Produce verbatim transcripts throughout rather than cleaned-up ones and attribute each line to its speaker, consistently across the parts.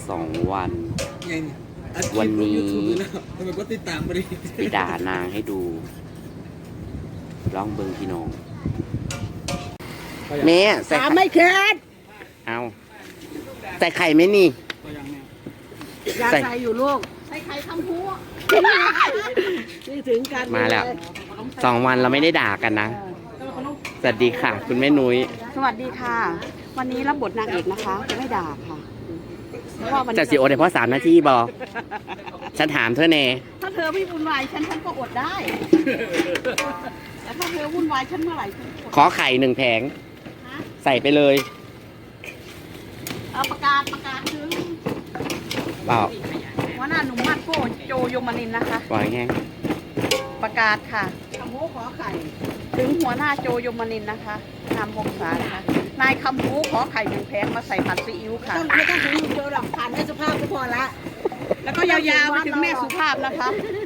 Speaker 1: สองวัน
Speaker 2: ยัง
Speaker 1: วันนี้
Speaker 2: ทำไมก็ติดตามไปดิ
Speaker 1: ไปด่านางให้ดูร้องเบิงพี่น้องแม่ใส่
Speaker 3: ขาไม่เค็ด
Speaker 1: เอาใส่ไข่ไหมนี่
Speaker 3: อยากใส่อยู่ลูกใส่ไข่ทำหัวนี่ถึงกัน
Speaker 1: มาแล้วสองวันเราไม่ได้ด่ากันนะสวัสดีค่ะ คุณแม่นุ้ย
Speaker 3: สวัสดีค่ะ วันนี้รับบทนางเอกนะคะจะไม่ด่าค่ะเพราะว่าวัน
Speaker 1: จะสิโอได้เพราะสามนาทีบอฉันถามเธอเน่
Speaker 3: ถ้าเธอไม่วุ่นวายฉันฉันก็อดได้แต่ถ้าเธอวุ่นวายฉันเมื่อไหร่ฉันอด
Speaker 1: ขอไข่หนึ่งแผง
Speaker 3: นะ
Speaker 1: ใส่ไปเลย
Speaker 3: เอาประกาศประกาศถึง
Speaker 1: เปล่า
Speaker 3: หัวหน้าหนุ่มมาดโก้โจโยมานินนะคะ
Speaker 1: ปล่อยแห้ง
Speaker 3: ประกาศค่ะคำโม้ขอไข่ถึงหัวหน้าโจโยมานินนะคะนำหกสารนะคะนายคำโม้ขอไข่หนึ่งแพงมาใส่ผัดซีอิ๊วค่ะ
Speaker 4: ไม่ต้องถึงโจหรอกผ่านแม่สุภาพก็พอละ
Speaker 3: แล้วก็ยาวๆไปถึงแม่สุภาพนะคะ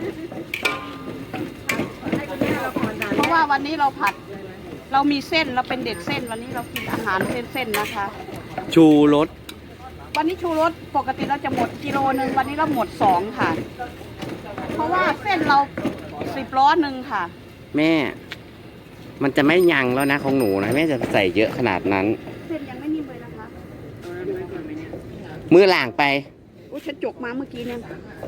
Speaker 4: ให้คนนี้เราผ่อนด่าน
Speaker 3: เพราะว่าวันนี้เราผัด เรามีเส้นเราเป็นเด็กเส้นวันนี้เรากินอาหารเส้นๆนะคะ
Speaker 1: ชูรส
Speaker 3: วันนี้ชูรสปกติเราจะหมดกิโลนึงวันนี้เราหมดสองค่ะ เพราะว่าเส้นเราสิบล้อหนึ่งค่ะ
Speaker 1: แม่ มันจะไม่ยังแล้วนะของหนูนะแม่จะใส่เยอะขนาดนั้น
Speaker 3: เส้นยังไม่นิ่มเลยนะคะ
Speaker 1: มือหล่างไป
Speaker 3: อุ้ยฉันจกมาเมื่อกี้เนี่ย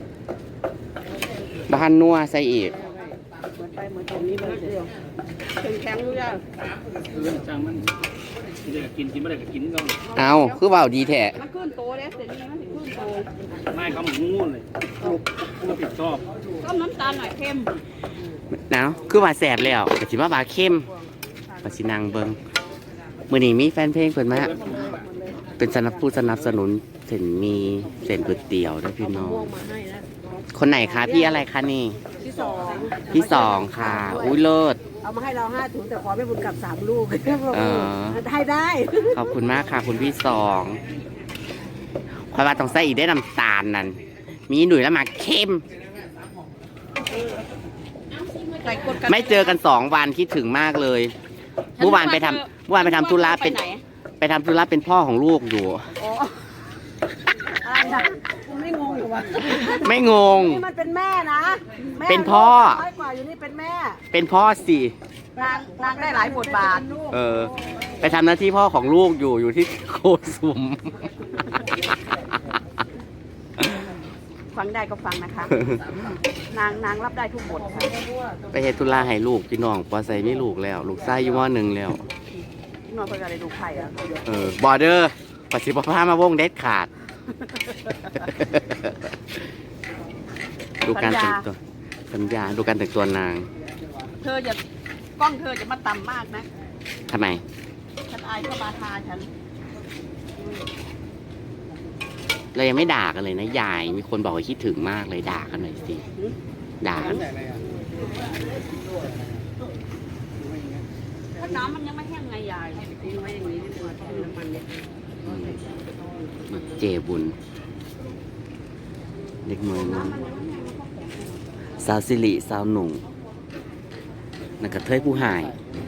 Speaker 1: บ้านนัวใส่อีก
Speaker 3: เหมือนไปเหมือนตรงนี้เลยเดียวถึงแข็งรู้ยัง
Speaker 2: คือจังมันเด็กกินกินไม่ได้ก็กินก็
Speaker 1: เอาคือเบาดีแท้
Speaker 3: มันขึ้นโตเลยเดี๋ยวนี้มันถึงขึ้นโต
Speaker 2: ไม่เขาหมูงูเลยเขาผิดชอบ
Speaker 3: ต้มน้ำตาลหน่อยเค็ม
Speaker 1: หนาวคือว่าแสบแล้วแต่สิว่าบาเข้มปาสินางเบิงมือนี้มีแฟนเพลงเพิ่นมาเป็นสนับผู้สนับสนุนเส้นมีเส้นก๋วยเตี๋ยวด้วยพี่น้องคนไหนคะพี่อะไรคะนี่
Speaker 4: ที่สอง
Speaker 1: พี่สองค่ะอุ้ยเลิศ
Speaker 4: เอามาให้เราห้าถุงแต่ขอไม่บุญกลับสามลูก
Speaker 1: เออ
Speaker 4: ให้ได้
Speaker 1: ขอบคุณมากค่ะ คุณพี่สองคอยว่าต้องใส่อีกได้น้ำตาลนั่นมีหนุ่ยแล้วมาเข้ม
Speaker 3: ใส่กด
Speaker 1: ไม่เจอกันสองวันคิดถึงมากเลยเมื่อวานไปทำเมื่อวานไปทำธุระเป็น
Speaker 3: ไหน
Speaker 1: ไปทำธุระเป็นพ่อของลูกอยู่
Speaker 3: อ๋อ
Speaker 4: อะไรนะคุณไม่งงเหรอวะ
Speaker 1: ไม่งง
Speaker 4: นี่มันเป็นแม่นะแม่
Speaker 1: เป็นพ่อ
Speaker 4: น้อยกว่าอยู่นี่เป็นแม่
Speaker 1: เป็นพ่อสิ
Speaker 3: นางนางได้หลายบทบาท
Speaker 1: เออ ไปทำหน้าที่พ่อของลูกอยู่อยู่ที่โคสุม
Speaker 3: ฟังได้ก็ฟังนะคะ นางนางรับได้ทุกบทค่ะ
Speaker 1: ไปเฮ็ดธุระให้ลูกพี่น้องปอใส่ไม่ลูกแล้ว ลูกไส้ยี่ห้อหนึ่งแล้ว
Speaker 3: นอนเพื่ออะไรดูไข่อะ
Speaker 1: เออบอร์เดอร์ปฏิบัติภาพมาวงเด็ดขาด ดูการแต่งตัวสัญญาดูการแต่งตัวนาง
Speaker 3: เธออย่ากล้องเธอจะมาต่ำมากนะ
Speaker 1: ทำไม
Speaker 3: ฉันอายเข้ามาทาฉัน
Speaker 1: เรายังไม่ด่ากันเลยนะยาย มีคนบอกว่าคิดถึงมากเลยด่ากันหน่อยสิ ด่ากัน
Speaker 3: ถ้าน้ำมันยังไม่แห้งไงยายทิ้งไว้อย่างนี้ดีกว่าทิ้งน้ำมันเนี่ย
Speaker 1: อืมเจบุญ เด็กเมืองน้องสาวสิริสาวหนุ่งนักกระเทยผู้หาย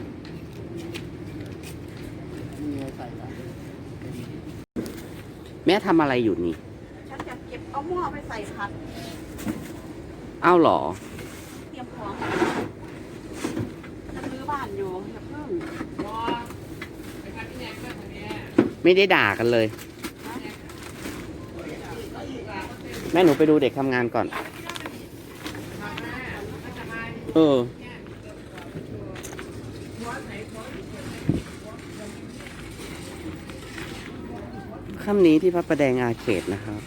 Speaker 1: แม่ทำอะไรอยู่นี่
Speaker 3: ฉันจะเก็บเอาหม้อไปใส่ผัด
Speaker 1: อ้าวเหรอ
Speaker 3: เตรียมของจะซื้อบ้านอยู่อย่าเพิ่ง
Speaker 1: ไม่ได้ด่ากันเลย แม่หนูไปดูเด็กทำงานก่อน เออ ค่ำนี้ที่พระประแดงอาเขตนะครับ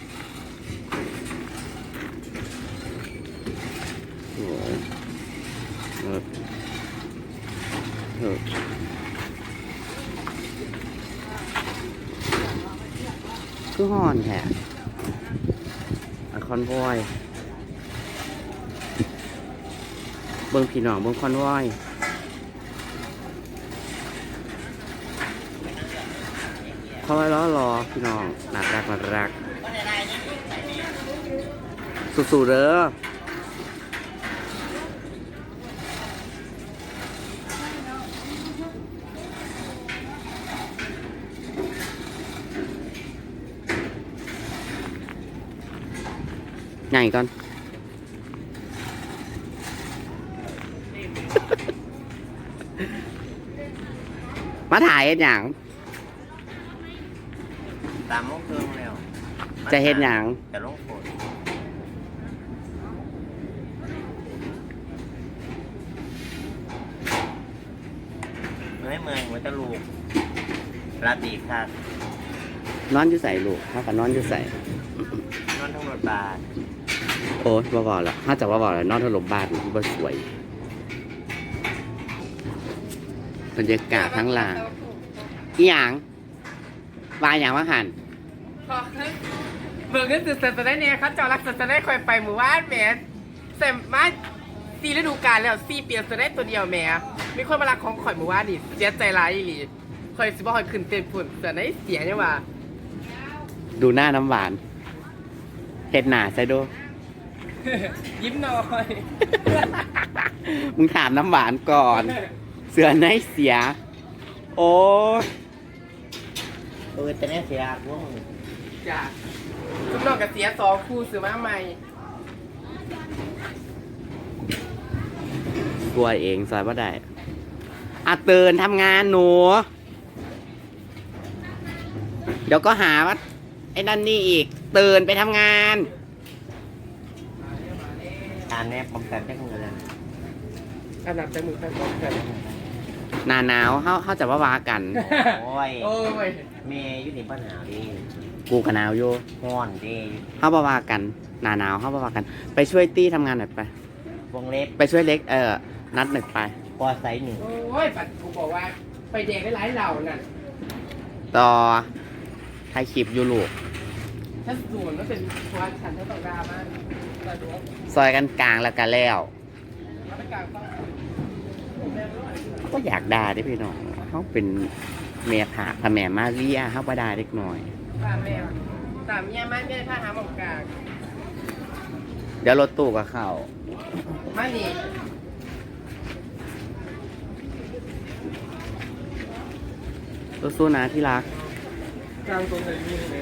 Speaker 1: โอ้ยเออเออคือห่อนแท้อะคอนวอย เบิ่งพี่น้องเบิ่งคอนวอยเขาไว้ล้อรอพี่น้องหนักรักหนักรักสู้ๆเด้อใหญ่ก่อน มาถ่ายเฮ็ดหยัง
Speaker 5: ตามโมงครึ่งแล้ว
Speaker 1: จะเฮ็ดหยัง
Speaker 5: จะลงฝนเมื่อยเมื่อยมันจะลูกราตรีค่ะ
Speaker 1: นอนอยู่ใส่ลูกเขาก็นอนอยู่ใส่
Speaker 5: นอนทั้งรถบาท
Speaker 1: โอ้ยบ่บอกแล้วถ้าจะว่าบอกแล้วนอนถล่มบ้านบ่สวยบรรยากาศทั้งหลางอีหยังวายหยังว่าหัน
Speaker 6: เบิกเงินสื่อจะได้เนี่ยเขาเจ้ารักจะได้คอยไปหมู่บ้านแหม่เสร็จมาตีฤดูกาลแล้วซีเปียจะได้ตัวเดียวแหม่มีคนมารักของข่อยหมู่บ้านนี่เสียใจร้ายอีหลีข่อยสิบ่ข่อยขึ้นเต็มฝุ่นแต่ได้เสียเนี่ยว่า
Speaker 1: ดูหน้าน้ำหวานเห็ดหนาใส่ดู
Speaker 6: ยิ้มหน่อย
Speaker 1: มึงถามน้ำหวานก่อน เสือไหนเสีย โอ้ย
Speaker 5: เออแต่เนี่ยเสียพวกมึง
Speaker 6: จ้ะทุกน้องกับเสียสองคู่ซื้อมาใหม่
Speaker 1: กลัวเองซอยว่าได้อ่ะเตือนทำงานหนู เดี๋ยวก็หาว่าไอ้นั่นนี่อีกเตือนไปทำงาน
Speaker 5: อ่านแนบพร้อมกันได้คนละ
Speaker 6: อันดับแต่มือแฟนก็เกิด
Speaker 1: หนาหนาวเขาเขาจะว่าวากัน
Speaker 5: โอ้ย
Speaker 6: โอ้ย
Speaker 5: เมย์อยู่ในปัญหาดิ
Speaker 1: กูกับหนาวอยู่
Speaker 5: ห้อนดิ
Speaker 1: เขาบ่าวากันหนาหนาวเขาบ่าวากัน ไปช่วยตี้ทำงานหน่อยไป
Speaker 5: วงเล็บ
Speaker 1: ไปช่วยเล็กเออนัดหนึ่งไป
Speaker 5: ปอไซส์หนึ่ง
Speaker 6: โอ้ยปัดกูบอกว่าไปแดกได้หลายเหล่านั่น
Speaker 1: ต่อถ่ายคลิปอยู่ลูก
Speaker 6: ถ้าส่วนก็เป็นความฉันเท่าต่างดาบ้านแต่ดูว่า
Speaker 1: ซอยกันกลางแล้วกันแล้ว
Speaker 6: มาตรการต้อง
Speaker 1: ก็อยากด่าได้พี่น้องเขาเป็นเมียผาพระแม่มาเรียเขาประดาเล็กน้อย
Speaker 6: ตามแม่ตามเมียมันไม่ได้ท่าหาหมอกกลาง
Speaker 1: เดี๋ยวรถตู้กับเขา
Speaker 6: มานี่
Speaker 1: สู้ๆนะที่รัก
Speaker 6: กลางตรงไหนมีเลย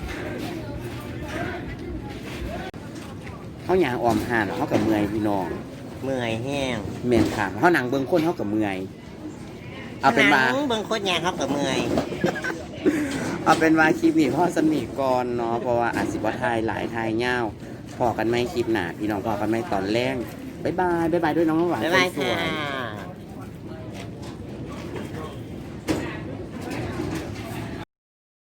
Speaker 1: เขาอยางออมห่านเขากับเมื่อยพี่น้อง
Speaker 5: เมื่อยแห้ง
Speaker 1: เมียนขางเขาหนังเบิ้งคนเขากับเมื่อยเอาเป็นว่า
Speaker 5: หงเบิ่งโคตรแย่ครับกับเมื่อย
Speaker 1: เอาเป็นว่าคลิปนี้พ่อสนิทก่อนเนาะเพราะว่าอาจสิบ่ทายหลายทายเง่าพอกันไหมคลิปหนาพี่น้องพอกันไหมตอนแรกบ๊ายบายบ๊ายบายด้วยน้องน้ำหวาน
Speaker 5: บ๊ายบาย
Speaker 1: สวย
Speaker 5: ค่ะ